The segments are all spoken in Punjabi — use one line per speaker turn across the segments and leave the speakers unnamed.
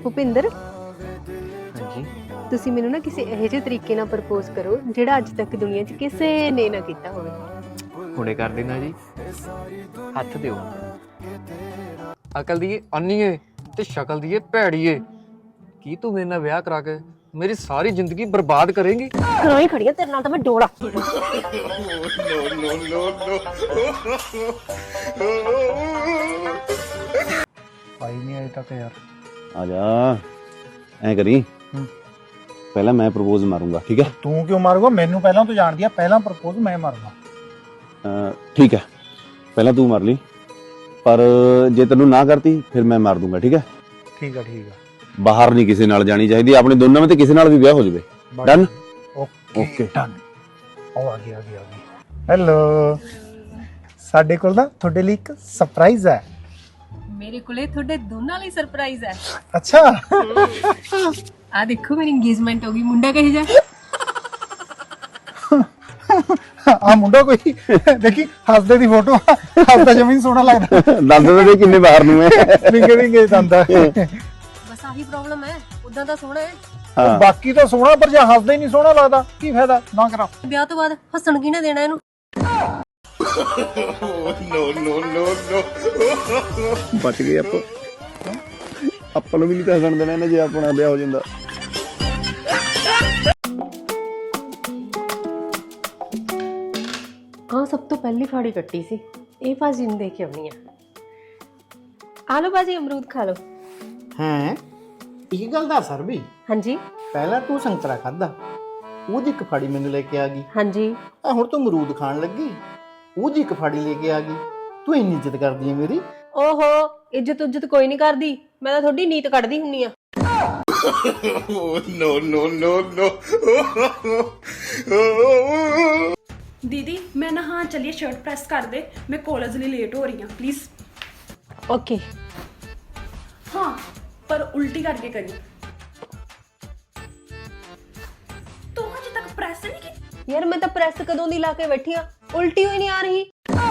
ਭੁਪਿੰਦਰ
ਹਾਂਜੀ
ਤੁਸੀਂ ਮੈਨੂੰ ਨਾ ਕਿਸੇ ਇਹੋ ਜਿਹੇ ਤਰੀਕੇ ਨਾਲ ਪ੍ਰਪੋਜ਼ ਕਰੋ ਜਿਹੜਾ ਅੱਜ ਤੱਕ ਦੁਨੀਆ 'ਚ ਕਿਸੇ ਨੇ ਨਾ ਕੀਤਾ ਹੋਵੇ।
ਹੁਣੇ ਕਰ ਦੇਣਾ ਜੀ। ਹੱਥ ਦਿਓ। ਅਕਲ ਦੀ ਅੰਨੀ ਏ ਤੇ ਸ਼ਕਲ ਦੀ ਭੈੜੀ ਏ। ਕੀ ਤੂੰ ਮੇਰੇ ਨਾਲ ਵਿਆਹ ਕਰਾ ਕੇ ਮੇਰੀ ਸਾਰੀ ਜ਼ਿੰਦਗੀ ਬਰਬਾਦ ਕਰੇਂਗੀ?
ਘਰੋਂ ਹੀ ਖੜੀ ਆ ਤੇਰੇ ਨਾਲ ਤਾਂ ਮੈਂ ਡੋਲਾ।
ਆਈ ਨਹੀਂ ਅਜੇ ਤੱਕ ਯਾਰ।
ਆ ਜਾ ਐ ਕਰੀ ਪਹਿਲਾਂ ਮੈਂ ਪ੍ਰਪੋਜ਼ ਮਾਰੂੰਗਾ ਠੀਕ ਹੈ।
ਤੂੰ ਕਿਉਂ ਮਾਰੂਗਾ? ਮੈਨੂੰ ਪਹਿਲਾਂ ਤੂੰ ਜਾਣਦੀ ਆ, ਪਹਿਲਾਂ ਪ੍ਰਪੋਜ਼ ਮੈਂ ਮਾਰੂੰਗਾ।
ਠੀਕ ਹੈ ਪਹਿਲਾਂ ਤੂੰ ਮਾਰ ਲਈ, ਪਰ ਜੇ ਤੈਨੂੰ ਨਾ ਕਰਤੀ ਫਿਰ ਮੈਂ ਮਾਰ ਦੂੰਗਾ ਠੀਕ ਹੈ।
ਠੀਕ ਆ ਠੀਕ ਆ।
ਬਾਹਰ ਨਹੀਂ ਕਿਸੇ ਨਾਲ ਜਾਣੀ ਚਾਹੀਦੀ, ਆਪਣੇ ਦੋਨਾਂ ਵਿੱਚ ਕਿਸੇ ਨਾਲ ਵੀ ਵਿਆਹ ਹੋ ਜਾਵੇ। ਡਨ?
Okay done. ਉਹ ਆ ਗਈ। ਹੈਲੋ, ਸਾਡੇ ਕੋਲ ਨਾ ਤੁਹਾਡੇ ਲਈ ਇੱਕ ਸਰਪ੍ਰਾਈਜ਼ ਹੈ।
ਮੇਰੇ ਕੋਲੇ ਤੁਹਾਡੇ ਦੋਨਾਂ ਲਈ ਸਰਪ੍ਰਾਈਜ਼ ਹੈ।
ਅੱਛਾ
ਆ ਦੇਖੋ ਮੇਰੀ ਇੰਗੇਜਮੈਂਟ ਹੋ ਗਈ। ਮੁੰਡਾ ਕਹੇ ਜਾ
ਆ ਮੁੰਡਾ ਕੋਈ ਦੇਖੀ ਹੱਸਦੇ ਦੀ ਫੋਟੋ, ਹੱਸਦਾ ਜਮੀਨ ਸੋਹਣਾ ਲੱਗਦਾ।
ਦੰਦ ਦੇ ਕਿੰਨੇ ਬਾਹਰ ਨੂੰ ਹੈ,
ਵਿੰਗੇ ਦੰਦਾ।
ਬਸ ਆਹੀ ਪ੍ਰੋਬਲਮ ਹੈ, ਉਦਾਂ ਤਾਂ ਸੋਹਣਾ ਹੈ।
ਬਾਕੀ ਤਾਂ ਸੋਹਣਾ, ਪਰ ਜੇ ਹੱਸਦਾ ਹੀ ਨਹੀਂ ਸੋਹਣਾ ਲੱਗਦਾ ਕੀ ਫਾਇਦਾ? ਨਾ ਕਰਾ।
ਵਿਆਹ ਤੋਂ ਬਾਅਦ ਹੱਸਣ ਕਿਹਨੇ ਦੇਣਾ ਇਹਨੂੰ?
ਬਚ ਗਏ ਆਪਾਂ ਨੂੰ ਵੀ ਨਹੀਂ ਤਾਂ ਹੱਸਣ ਦੇਣਾ ਇਹਨੇ ਜੇ ਆਪਣਾ ਵਿਆਹ ਹੋ ਜਾਂਦਾ।
ਹਾਂ, ਸਭ ਤੋਂ ਪਹਿਲੀ ਫਾੜੀ ਕੱਟੀ ਸੀ। ਇਹ ਭਾਜੀ ਨੂੰ ਦੇ ਕੇ ਆਉਣੀ ਆ। ਆ ਲਓ ਭਾਜੀ, ਅਮਰੂਦ ਖਾ ਲਓ।
ਹੈਂ, ਇਹ ਗੱਲ ਦੱਸ ਸਰ ਵੀ,
ਹਾਂਜੀ
ਪਹਿਲਾਂ ਤੂੰ ਸੰਤਰਾ ਖਾਦਾ, ਉਹਦੀ ਇੱਕ ਫਾੜੀ ਮੈਨੂੰ ਲੈ ਕੇ ਆ ਗਈ।
ਹਾਂਜੀ।
ਆ ਹੁਣ ਤੂੰ ਅਮਰੂਦ ਖਾਣ ਲੱਗੀ, ਉਹਦੀ ਇੱਕ ਫਾੜੀ ਲੈ ਕੇ ਆ ਗਈ। ਤੂੰ ਇੰਨੀ ਇੱਜ਼ਤ ਕਰਦੀ ਹੈ ਮੇਰੀ?
ਓਹੋ, ਇੱਜ਼ਤ ਕੋਈ ਨਹੀਂ ਕਰਦੀ, ਮੈਂ ਤਾਂ ਤੁਹਾਡੀ ਨੀਤ ਕੱਢਦੀ ਹੁੰਨੀ ਆ।
दीदी मैं ना हाँ चलिए शर्ट प्रेस कर दे, मैं कॉलेज लिए लेट हो रही हूँ प्लीज।
ਓਕੇ।
हाँ पर उल्टी करके करी। तो अजे तक प्रेस नहीं की?
ਯਾਰ ਮੈਂ ਤਾਂ ਪ੍ਰੈਸ ਕਦੋਂ ਦੀ ਲਾ ਕੇ ਬੈਠੀ ਆ, ਉਲਟੀ ਹੋਈ ਨਹੀਂ ਆ ਰਹੀ।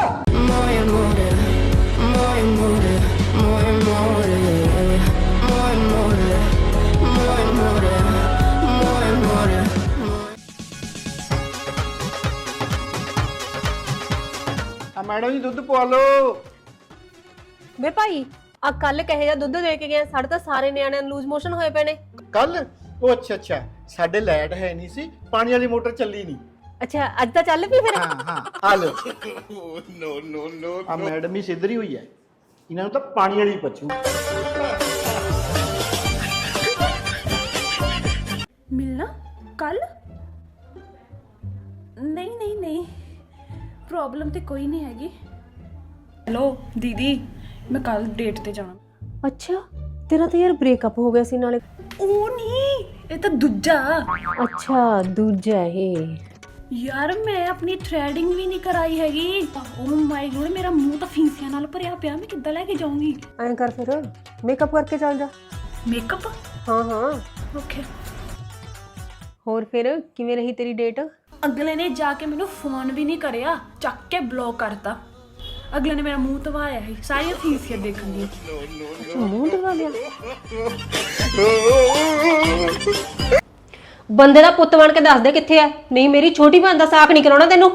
ਆ ਮੈਡਮ ਜੀ ਦੁੱਧ ਪਵਾ ਲਓ।
ਵੇ ਭਾਈ, ਆ ਕੱਲ ਕਹੇ ਜਾ ਦੁੱਧ ਦੇ ਕੇ ਗਿਆ, ਸਾਡੇ ਤਾਂ ਸਾਰੇ ਨਿਆਣਿਆਂ ਨੂੰ ਲੂਜ਼ ਮੋਸ਼ਨ ਹੋਏ ਪਏ ਨੇ।
ਕੱਲ? ਉਹ ਅੱਛਾ, ਸਾਡੇ ਲਾਈਟ ਹੈ ਨਹੀਂ ਸੀ, ਪਾਣੀ ਵਾਲੀ ਮੋਟਰ ਚੱਲੀ ਨਹੀਂ।
ਅੱਛਾ, ਅੱਜ ਤਾਂ ਚੱਲ ਪਈ ਫਿਰ।
ਹਾਂ ਆ ਲਓ। ਆ ਮੈਡਮ ਹੀ ਸਿੱਧਰੀ ਹੋਈ ਹੈ, ਇਹਨਾਂ ਨੂੰ ਤਾਂ ਪਾਣੀ ਵਾਲੀ ਪਚੂ।
मिलना कल? नहीं नहीं नहीं, प्रॉब्लम तो कोई नहीं हैगी। हेलो दीदी, मैं कल डेट ते जाना।
ਅੱਛਾ, ਤੇਰਾ ਤਾਂ ਯਾਰ ਬ੍ਰੇਕਅਪ ਹੋ ਗਿਆ ਸੀ ਨਾਲੇ।
ਉਹ ਨਹੀਂ, ਇਹ ਤਾਂ ਦੂਜਾ।
ਅੱਛਾ, ਦੂਜਾ ਇਹ।
ਯਾਰ ਮੈਂ ਆਪਣੀ ਥ੍ਰੈਡਿੰਗ ਵੀ ਨਹੀਂ ਕਰਾਈ ਹੈਗੀ। ਓ ਮਾਈ ਗੋਡ, ਮੇਰਾ ਮੂੰਹ ਤਾਂ ਫਿੰਸੀਆਂ ਨਾਲ ਭਰਿਆ ਪਿਆ, ਮੈਂ ਕਿੱਦਾਂ ਲੈ ਕੇ ਜਾਊਂਗੀ?
ਐਂ ਕਰ ਫਿਰ, ਮੇਕਅਪ ਕਰਕੇ ਚੱਲ ਜਾ।
ਮੇਕਅਪ?
ਹਾਂ ਹਾਂ।
ਓਕੇ।
ਹੋਰ ਫਿਰ ਕਿਵੇਂ ਰਹੀ ਤੇਰੀ ਡੇਟ?
ਅਗਲੇ ਨੇ ਜਾ ਕੇ ਮੈਨੂੰ ਫੋਨ ਵੀ ਨਹੀਂ ਕਰਿਆ, ਚੱਕ ਕੇ ਬਲੌਕ ਕਰਤਾ। ਅਗਲੇ ਨੇ ਮੇਰਾ ਮੂੰਹ ਧਵਾਇਆ ਹੈ, ਸਾਰੀਆਂ ਫੀਸੀਆਂ ਦੇਖਣ ਦੀ।
ਅੱਛਾ, ਮੂੰਹ ਦਵਾ ਲਿਆ। ਬੰਦੇ ਦਾ ਪੁੱਤ ਬਣ ਕੇ ਦੱਸ ਦੇ ਕਿੱਥੇ ਆ, ਨਹੀਂ ਮੇਰੀ ਛੋਟੀ ਭੈਣ ਦਾ ਸਾਕ ਨਹੀਂ ਕਰਾਉਣਾ ਤੈਨੂੰ।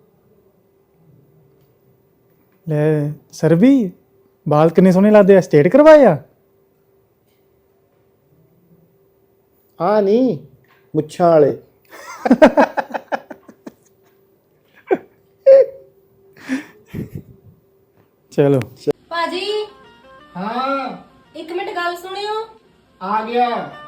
ਲੈ ਸਰ ਵੀ ਬਾਲ ਕਿੰਨੇ ਸੋਹਣੇ ਲੱਗਦੇ ਆ, ਸਟੇਟ ਕਰਵਾਏ ਆ।
ਆ ਨਹੀਂ, ਮੁੱਛਾਂ ਵਾਲੇ।
ਚਲੋ
ਭਾਜੀ
ਹਾਂ
1 ਮਿੰਟ ਗੱਲ ਸੁਣਿਓ।
ਆ ਗਿਆ।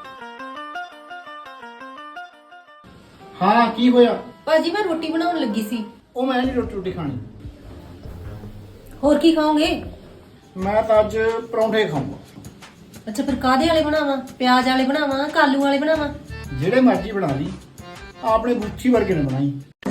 ਹਾਂ ਕੀ ਹੋਇਆ?
ਭਾਜੀ ਮੈਂ ਰੋਟੀ ਬਣਾਉਣ ਲੱਗੀ ਸੀ।
ਉਹ ਮੈਂ ਨਹੀਂ ਰੋਟੀ ਖਾਣੀ,
ਹੋਰ ਕੀ ਖਾਓਗੇ?
ਮੈਂ ਤਾਂ ਅੱਜ ਪਰੌਂਠੇ ਖਾਊਂਗਾ।
ਅੱਛਾ, ਫਿਰ ਕਾਦੇ ਵਾਲੇ ਬਣਾਵਾਂ? ਪਿਆਜ਼ ਵਾਲੇ ਬਣਾਵਾਂ, ਕਾਲੂ ਵਾਲੇ ਬਣਾਵਾਂ?
ਜਿਹੜੇ ਮਰਜ਼ੀ ਬਣਾ ਲਈ, ਆਪਣੇ ਗੁੱਛੀ ਵਰਗੇ ਨੇ ਬਣਾਈ।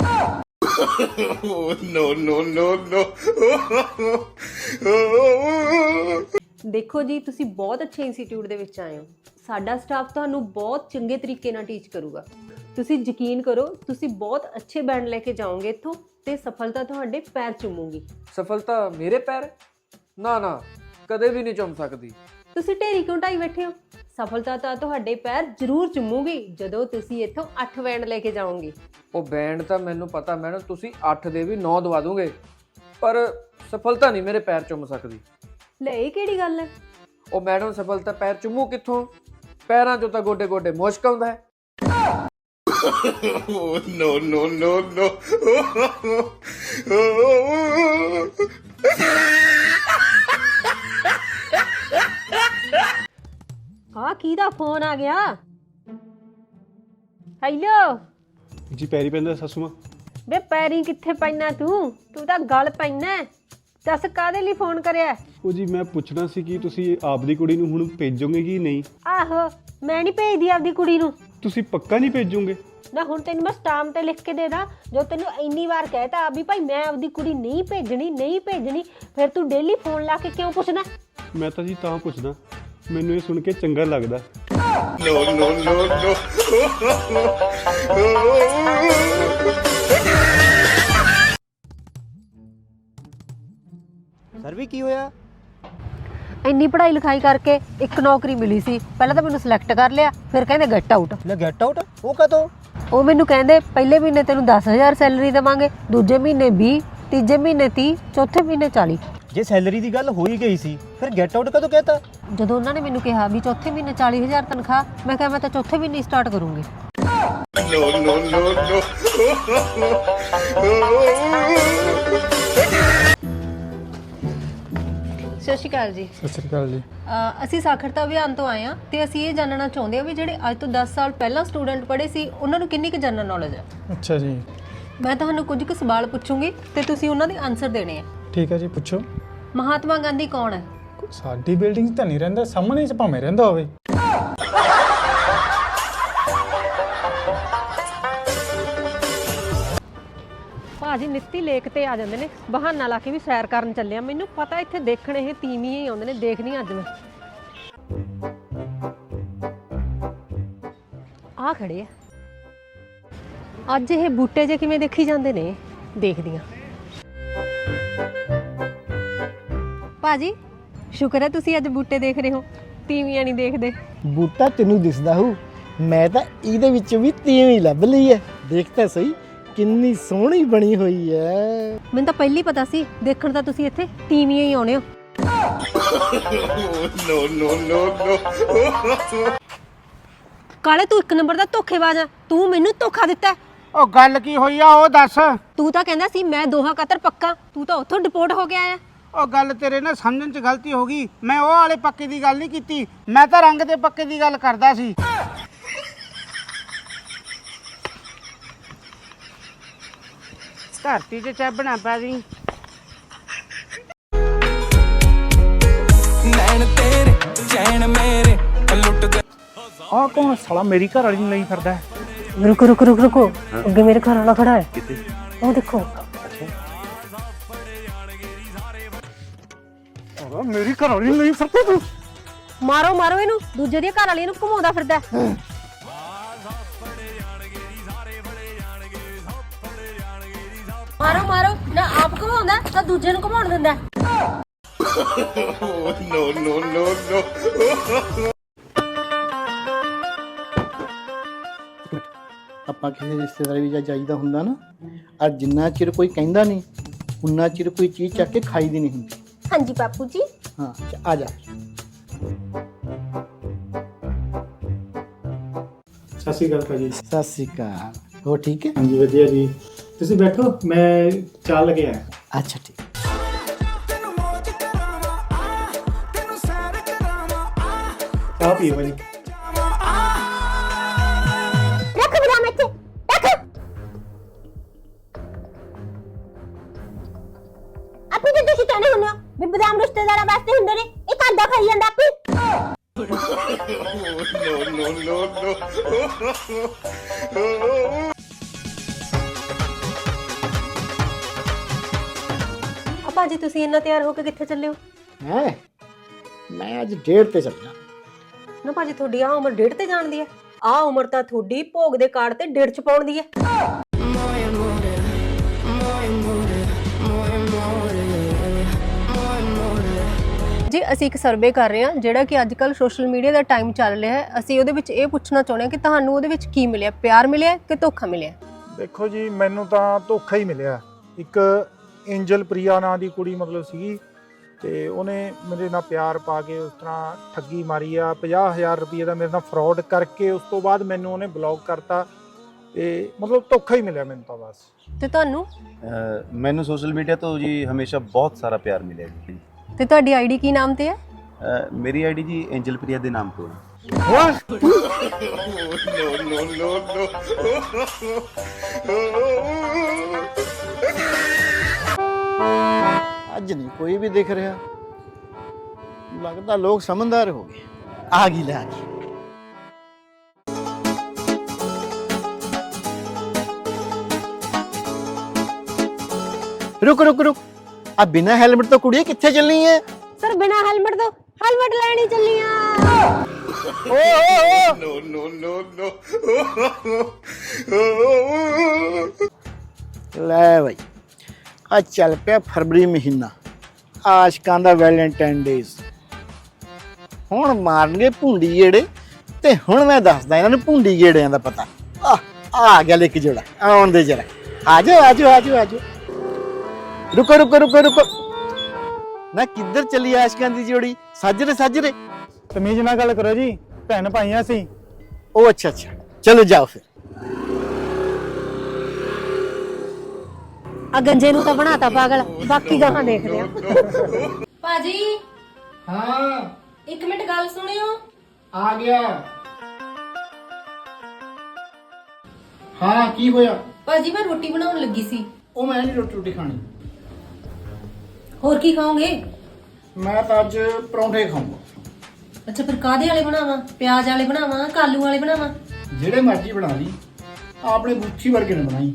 ਦੇਖੋ ਜੀ, ਤੁਸੀਂ ਬਹੁਤ ਅੱਛੇ ਇੰਸਟੀਚਿਊਟ ਦੇ ਵਿੱਚ ਆਏ ਹੋ। ਸਾਡਾ ਸਟਾਫ ਤੁਹਾਨੂੰ ਬਹੁਤ ਚੰਗੇ ਤਰੀਕੇ ਨਾਲ ਟੀਚ ਕਰੂਗਾ। ਤੁਸੀਂ ਯਕੀਨ ਕਰੋ, ਤੁਸੀਂ ਬਹੁਤ ਅੱਛੇ ਬੈਂਡ ਲੈ ਕੇ ਜਾਓਗੇ ਇੱਥੋਂ ਤੇ ਸਫਲਤਾ ਤੁਹਾਡੇ ਪੈਰ ਚੁੰਮੂਗੀ।
ਸਫਲਤਾ ਮੇਰੇ ਪੈਰ? ਨਾ ਨਾ, ਕਦੇ ਵੀ ਨਹੀਂ ਚੁੰਮ ਸਕਦੀ।
ਤੁਸੀਂ ਢੇਰੀ ਕਿਉਂ ਢਾਈ ਬੈਠੇ ਹੋ? ਸਫਲਤਾ ਤਾਂ ਤੁਹਾਡੇ ਪੈਰ ਜ਼ਰੂਰ ਚੁੰਮੂਗੀ ਜਦੋਂ ਤੁਸੀਂ ਇੱਥੋਂ 8 ਬੈਂਡ ਲੈ ਕੇ ਜਾਓਗੇ।
ਉਹ ਬੈਂਡ ਤਾਂ ਮੈਨੂੰ ਪਤਾ ਮੈਡਮ, ਤੁਸੀਂ 8 ਦੇ ਵੀ 9 ਦਵਾ ਦੋਗੇ, ਪਰ ਸਫਲਤਾ ਨਹੀਂ ਮੇਰੇ ਪੈਰ ਚੁੰਮ ਸਕਦੀ।
ਲੈ ਇਹ ਕਿਹੜੀ ਗੱਲ ਹੈ?
ਉਹ ਮੈਡਮ ਸਫਲਤਾ ਪੈਰ ਚੁੰਮੂ ਕਿੱਥੋਂ? ਪੈਰਾਂ 'ਚੋਂ ਤਾਂ ਗੋਡੇ ਗੋਡੇ ਮੁਸ਼ਕ ਆਉਂਦਾ ਹੈ।
ਆ ਕਿਹਦਾ ਫੋਨ ਆ ਗਿਆ? ਹੈਲੋ
ਜੀ ਪੈਰੀ ਪੈਂਦਾ ਸਾਸੂ ਮਾਂ।
ਵੇ ਪੈਰੀ ਕਿੱਥੇ ਪੈਣਾ ਤੂੰ ਤਾਂ ਗਲ ਪੈਣਾ। ਦੱਸ ਕਾਹਦੇ ਲਈ ਫੋਨ ਕਰਿਆ?
ਉਹ ਜੀ ਮੈਂ ਪੁੱਛਣਾ ਸੀ ਕਿ ਤੁਸੀਂ ਆਪਦੀ ਕੁੜੀ ਨੂੰ ਹੁਣ ਭੇਜੋਗੇ ਕਿ ਨਹੀਂ?
ਆਹੋ ਮੈਂ ਨਹੀਂ ਭੇਜਦੀ ਆਪਦੀ ਕੁੜੀ ਨੂੰ।
ਤੁਸੀਂ ਪੱਕਾ ਨਹੀਂ ਭੇਜੋਗੇ?
ਨਾ ਹੁਣ ਤੈਨੂੰ ਮੈਂ ਸਟਾਮ ਤੇ ਲਿਖ ਕੇ ਦੇ ਦਾਂ, ਜੋ ਤੈਨੂੰ ਇੰਨੀ ਵਾਰ ਕਹਿਤਾ ਵੀ ਭਾਈ ਮੈਂ ਆਪਦੀ ਕੁੜੀ ਨਹੀਂ ਭੇਜਣੀ, ਫਿਰ ਤੂੰ ਡੇਲੀ ਫੋਨ ਲਾ ਕੇ ਕਿਉਂ ਪੁੱਛਦਾ?
ਮੈਂ ਤਾਂ ਜੀ ਤਾਂ ਪੁੱਛਦਾ, ਮੈਨੂੰ ਇਹ ਸੁਣ ਕੇ ਚੰਗਾ ਲੱਗਦਾ।
ਸਰ ਵੀ ਕੀ ਹੋਇਆ?
ਇੰਨੀ ਪੜ੍ਹਾਈ ਲਿਖਾਈ ਕਰਕੇ ਇੱਕ ਨੌਕਰੀ ਮਿਲੀ ਸੀ, ਪਹਿਲਾਂ ਤਾਂ ਮੈਨੂੰ ਸਿਲੈਕਟ ਕਰ ਲਿਆ, ਫਿਰ ਕਹਿੰਦੇ ਗੈਟ ਆਊਟ।
ਲੈ ਗੈਟ ਆਊਟ ਉਹ ਕਦੋਂ?
ਉਹ ਮੈਨੂੰ ਕਹਿੰਦੇ ਪਹਿਲੇ ਮਹੀਨੇ ਤੈਨੂੰ 10,000 ਸੈਲਰੀ ਦੇਵਾਂਗੇ, ਦੂਜੇ ਮਹੀਨੇ 20, ਤੀਜੇ ਮਹੀਨੇ 30, ਚੌਥੇ ਮਹੀਨੇ 40।
ਜੇ ਸੈਲਰੀ ਦੀ ਗੱਲ ਹੋ ਹੀ ਗਈ ਸੀ ਫਿਰ ਗੈਟ ਆਊਟ ਕਦੋਂ ਕਹਿਤਾ?
ਜਦੋਂ ਉਹਨਾਂ ਨੇ ਮੈਨੂੰ ਕਿਹਾ ਵੀ ਚੌਥੇ ਮਹੀਨੇ 40,000 ਤਨਖਾਹ, ਮੈਂ ਕਿਹਾ ਮੈਂ ਤਾਂ ਚੌਥੇ ਮਹੀਨੇ ਸਟਾਰਟ ਕਰੂੰਗੀ। ਸਤਿ ਸ਼੍ਰੀ ਅਕਾਲ ਜੀ।
ਸਤਿ ਸ਼੍ਰੀ ਅਕਾਲ ਜੀ।
ਅਸੀਂ ਸਾਖਰਤਾ ਅਭਿਆਨ ਤੋਂ ਆਏ ਹਾਂ ਤੇ ਅਸੀਂ ਇਹ ਜਾਣਨਾ ਚਾਹੁੰਦੇ ਹਾਂ ਵੀ ਜਿਹੜੇ ਅੱਜ ਤੋਂ 10 ਸਾਲ ਪਹਿਲਾਂ ਸਟੂਡੈਂਟ ਪੜ੍ਹੇ ਸੀ ਉਹਨਾਂ ਨੂੰ ਕਿੰਨੀ ਕੁ ਜਨਰਲ ਨੌਲੇਜ ਹੈ।
ਅੱਛਾ ਜੀ,
ਮੈਂ ਤੁਹਾਨੂੰ ਕੁਝ ਕੁ ਸਵਾਲ ਪੁੱਛੂੰਗੀ ਤੇ ਤੁਸੀਂ ਉਹਨਾਂ ਦੇ ਆਨਸਰ ਦੇਣੇ ਆ।
ਠੀਕ ਹੈ ਜੀ, ਪੁੱਛੋ।
ਮਹਾਤਮਾ ਗਾਂਧੀ ਕੌਣ ਹੈ?
ਸਾਡੀ ਬਿਲਡਿੰਗ 'ਚ ਤਾਂ ਨਹੀਂ ਰਹਿੰਦਾ, ਸਾਹਮਣੇ 'ਚ ਭਾਵੇਂ ਰਹਿੰਦਾ ਹੋਵੇ।
ਭਾਜੀ ਨਿੱਤੀ ਲੇਕ ਤੇ ਆ ਜਾਂਦੇ ਨੇ, ਬਹਾਨਾ ਲਾ ਕੇ ਵੀ ਸੈਰ ਕਰਨ ਚੱਲਿਆ। ਮੈਨੂੰ ਪਤਾ ਇੱਥੇ ਦੇਖਣ ਇਹ ਤੀਵੀਂ ਹੀ ਆਉਂਦੇ ਨੇ, ਦੇਖਦੀ ਅੱਜ ਮੈਂ। ਆ ਖੜੇ ਆ ਅੱਜ, ਇਹ ਬੂਟੇ ਜੇ ਕਿਵੇਂ ਦੇਖੀ ਜਾਂਦੇ ਨੇ, ਦੇਖਦੀਆਂ। ਭਾਜੀ ਸ਼ੁਕਰ ਹੈ ਤੁਸੀਂ ਅੱਜ ਬੂਟੇ ਦੇਖ ਰਹੇ ਹੋ, ਤੀਵੀਆਂ ਨਹੀਂ ਦੇਖਦੇ।
ਬੂਟਾ ਤੈਨੂੰ ਦਿਸਦਾ ਹੋਊ, ਮੈਂ ਤਾਂ ਇਹਦੇ ਵਿੱਚ ਵੀ ਤੀਵੀਂ ਲੱਭ ਲਈ ਹੈ। ਦੇਖ ਤਾਂ ਸਹੀ ਕਿੰਨੀ ਸੋਹਣੀ ਬਣੀ ਹੋਈ ਹੈ।
ਮੈਨੂੰ ਤਾਂ ਪਹਿਲੀ ਪਤਾ ਸੀ, ਦੇਖਣ ਤਾਂ ਤੁਸੀਂ ਇੱਥੇ ਤੀਵੀਆਂ ਹੀ ਆਉਣੇ ਹੋ। ਕਾਲੇ ਤੂੰ ਇੱਕ ਨੰਬਰ ਦਾ ਧੋਖੇਬਾਜ਼ ਆ, ਤੂੰ ਮੈਨੂੰ ਧੋਖਾ ਦਿੱਤਾ।
ਉਹ ਗੱਲ ਕੀ ਹੋਈ ਆ ਉਹ ਦੱਸ।
ਤੂੰ ਤਾਂ ਕਹਿੰਦਾ ਸੀ ਮੈਂ ਦੋਹਾਂ ਕਤਰ ਪੱਕਾ, ਤੂੰ ਤਾਂ ਉੱਥੋਂ ਡਿਪੋਰਟ ਹੋ ਕੇ ਆਇਆ।
ਉਹ ਗੱਲ ਤੇਰੇ ਨਾਲ ਸਮਝਣ 'ਚ ਗਲਤੀ ਹੋ ਗਈ। ਮੈਂ ਉਹ ਵਾਲੇ ਪੱਕੇ ਦੀ ਗੱਲ ਨਹੀਂ ਕੀਤੀ, ਮੈਂ ਤਾਂ ਰੰਗ ਦੇ ਪੱਕੇ ਦੀ ਗੱਲ ਕਰਦਾ ਸੀ। ਧਰਤੀ 'ਚ ਚੱਬਣਾ ਪੈ ਗਈ।
ਆਹ ਕੌਣ ਸਾਲਾ ਮੇਰੀ ਘਰ ਵਾਲੀ ਨੂੰ ਲਈ ਫਿਰਦਾ ਹੈ?
ਰੁਕੋ ਅੱਗੇ ਮੇਰੇ ਘਰ ਵਾਲਾ ਖੜਾ ਹੈ। ਉਹ ਦੇਖੋ।
ਮੇਰੀ ਘਰ ਵਾਲੀ ਨੂੰ ਲਈ ਫਿਰਦਾ ਤੂੰ?
ਮਾਰੋ ਇਹਨੂੰ, ਦੂਜੇ ਦੀ ਘਰ ਵਾਲੀ ਨੂੰ ਘੁਮਾਉਂਦਾ ਫਿਰਦਾ। ਮਾਰੋ ਨਾ ਆਪ ਘੁਮਾਉਂਦਾ ਤਾਂ ਦੂਜੇ ਨੂੰ ਘੁਮਾਉਣ ਦਿੰਦਾ।
ਆਪਾਂ ਕਿਸੇ ਰਿਸ਼ਤੇਦਾਰ ਵੀ ਜਾਈਦਾ ਹੁੰਦਾ ਨਾ, ਆ ਜਿੰਨਾ ਚਿਰ ਕੋਈ ਕਹਿੰਦਾ ਨਹੀਂ ਉਨਾ ਚਿਰ ਕੋਈ ਚੀਜ਼ ਚੱਕ ਕੇ ਖਾਈ ਦੀ ਨਹੀਂ ਹੁੰਦੀ।
ਹਾਂਜੀ ਬਾਪੂ ਜੀ।
ਹਾਂ ਆ ਜਾ।
ਸਤਿ ਸ਼੍ਰੀ ਅਕਾਲ ਭਾਜੀ।
ਸਤਿ ਸ਼੍ਰੀ ਅਕਾਲ। ਹੋ ਠੀਕ ਹੈ?
ਹਾਂਜੀ ਵਧੀਆ ਜੀ, ਤੁਸੀਂ ਬੈਠੋ, ਮੈਂ ਚਾਹ ਲੈ ਕੇ ਆਇਆ।
ਅੱਛਾ ਠੀਕ।
ਚਾਹ ਪੀਓ ਭਾਜੀ।
ਰੱਖ ਬਦਾਮ ਇੱਥੇ ਰੱਖ। ਆਪੀ ਤੇ ਤੁਸੀਂ ਕਹਿੰਦੇ ਹੁੰਦੇ ਹੋ ਵੀ ਬਦਾਮ ਰਿਸ਼ਤੇਦਾਰਾਂ ਵਾਸਤੇ ਹੁੰਦੇ ਨੇ, ਇਹ ਘਰ ਦਾ ਖਾਈ ਜਾਂਦਾ ਆਪੀ। ਭਾਜੀ ਤੁਸੀਂ ਇੰਨਾ ਤਿਆਰ ਹੋ ਕੇ ਕਿੱਥੇ ਚੱਲੇ ਹੋ?
ਮੈਂ ਅੱਜ ਡੇਟ ਤੇ ਚੱਲਣਾ।
ਨਾ ਭਾਜੀ ਤੁਹਾਡੀ ਆ ਉਮਰ ਡੇਢ ਤੇ ਜਾਣ ਦੀ ਹੈ? ਆ ਉਮਰ ਤਾਂ ਤੁਹਾਡੀ ਭੋਗ ਦੇ ਕਾਰਡ ਤੇ ਡੇਢ ਚ ਪਾਉਣ ਦੀ ਹੈ। ਜੀ ਅਸੀਂ ਇੱਕ ਸਰਵੇ ਕਰ ਰਹੇ ਹਾਂ ਜਿਹੜਾ ਕਿ ਅੱਜ ਕੱਲ ਸੋਸ਼ਲ ਮੀਡੀਆ ਦਾ ਟਾਈਮ ਚੱਲ ਰਿਹਾ ਹੈ। ਅਸੀਂ ਉਹਦੇ ਵਿੱਚ ਇਹ ਪੁੱਛਣਾ ਚਾਹੁੰਦੇ ਹਾਂ ਕਿ ਤੁਹਾਨੂੰ ਉਹਦੇ ਵਿੱਚ ਕੀ ਮਿਲਿਆ, ਪਿਆਰ ਮਿਲਿਆ ਕਿ ਧੋਖਾ ਮਿਲਿਆ?
ਦੇਖੋ ਜੀ, ਮੈਨੂੰ ਤਾਂ ਧੋਖਾ ਹੀ ਮਿਲਿਆ। ਇੱਕ ਐਂਜਲ ਪ੍ਰਿਆ ਨਾਂ ਦੀ ਕੁੜੀ ਮਤਲਬ ਸੀਗੀ, ਤੇ ਉਹਨੇ ਮੇਰੇ ਨਾਲ ਪਿਆਰ ਪਾ ਕੇ ਉਸ ਤਰ੍ਹਾਂ ਠੱਗੀ ਮਾਰੀ ਆ। 50,000 ਰੁਪਏ ਦਾ ਮੇਰੇ ਨਾਲ ਫਰਾਡ ਕਰਕੇ ਉਸ ਤੋਂ ਬਾਅਦ ਮੈਨੂੰ ਉਹਨੇ ਬਲੌਕ ਕਰਤਾ, ਤੇ ਮਤਲਬ ਧੋਖਾ ਹੀ ਮਿਲਿਆ ਮੈਨੂੰ ਤਾਂ ਬਸ।
ਤੇ ਤੁਹਾਨੂੰ?
ਮੈਨੂੰ ਸੋਸ਼ਲ ਮੀਡੀਆ ਤੋਂ ਜੀ ਹਮੇਸ਼ਾ ਬਹੁਤ ਸਾਰਾ ਪਿਆਰ ਮਿਲਿਆ ਜੀ।
ਤੇ ਤੁਹਾਡੀ ਆਈਡੀ ਕੀ ਨਾਮ ਤੇ ਹੈ?
ਮੇਰੀ ਆਈਡੀ ਜੀ ਐਂਜਲ ਪ੍ਰਿਆ ਦੇ ਨਾਮ ਤੋਂ ਹੈ।
ਅੱਜ ਨਹੀਂ ਕੋਈ ਵੀ ਦਿਖ ਰਿਹਾ, ਲੱਗਦਾ ਲੋਕ ਸਮਝਦਾਰ ਹੋ ਗਏ। ਆ ਗਈ ਲੈ ਆ ਗਈ। रुक रुक रुक, अब बिना हेलमेट तो कुड़िए किथे चलनी है?
ਸਰ ਬਿਨਾ ਹੈਲਮਟ ਤੋਂ ਹੈਲਮਟ ਲੈਣੀ ਚੱਲੀਆਂ।
ਲੈ ਬਈ, ਆ ਚੱਲ ਪਿਆ ਫਰਵਰੀ ਮਹੀਨਾ, ਆਸ਼ਕਾਂ ਦਾ ਵੈਲੈਂਟਾਈਨ ਡੇਜ਼। ਹੁਣ ਮਾਰਨਗੇ ਭੁੰਡੀ ਗੇੜੇ, ਤੇ ਹੁਣ ਮੈਂ ਦੱਸਦਾ ਇਹਨਾਂ ਨੂੰ ਭੁੰਡੀ ਗੇੜਿਆਂ ਦਾ ਪਤਾ। ਆ ਗਿਆ ਇੱਕ ਜੋੜਾ, ਆਉਣ ਦੇ ਜਰਾ। ਆਜੋ ਆਜੋ ਆਜੋ ਆਜੋ। रुको रुको रुको रुको ना, किधर चली आशिकां दी जोड़ी? साजरे साजरे
ਤਮੀਜ਼ ਨਾਲ ਗੱਲ ਕਰੋ ਜੀ, ਭੈਣ ਭਾਈਆਂ ਸੀ।
ओ अच्छा अच्छा, चलो जाओ फिर।
ਆ ਗੰਜੇ ਨੂੰ ਤਾਂ ਬਣਾਤਾ ਪਾਗਲ, ਬਾਕੀ ਗਾਹਾਂ ਦੇਖਦੇ ਆ।
ਭਾਜੀ
हाँ
1 ਮਿੰਟ ਗੱਲ ਸੁਣਿਓ।
आ गया। हाँ की होया?
ਭਾਜੀ ਮੈਂ ਰੋਟੀ ਬਣਾਉਣ ਲੱਗੀ ਸੀ।
ओ मैं नहीं रोटी रोटी खानी,
ਹੋਰ ਕੀ ਖਾਓਗੇ?
मैं तो अज परौंठे खाऊंगा।
ਅੱਛਾ ਫਿਰ ਕਾਦੇ ਵਾਲੇ ਬਣਾਵਾਂ? ਪਿਆਜ਼ ਵਾਲੇ ਬਣਾਵਾਂ, ਕਾਲੂ ਵਾਲੇ ਬਣਾਵਾਂ?
जेड़े मर्जी बना ली, आपने गुच्छी वर्गे ने बनाई।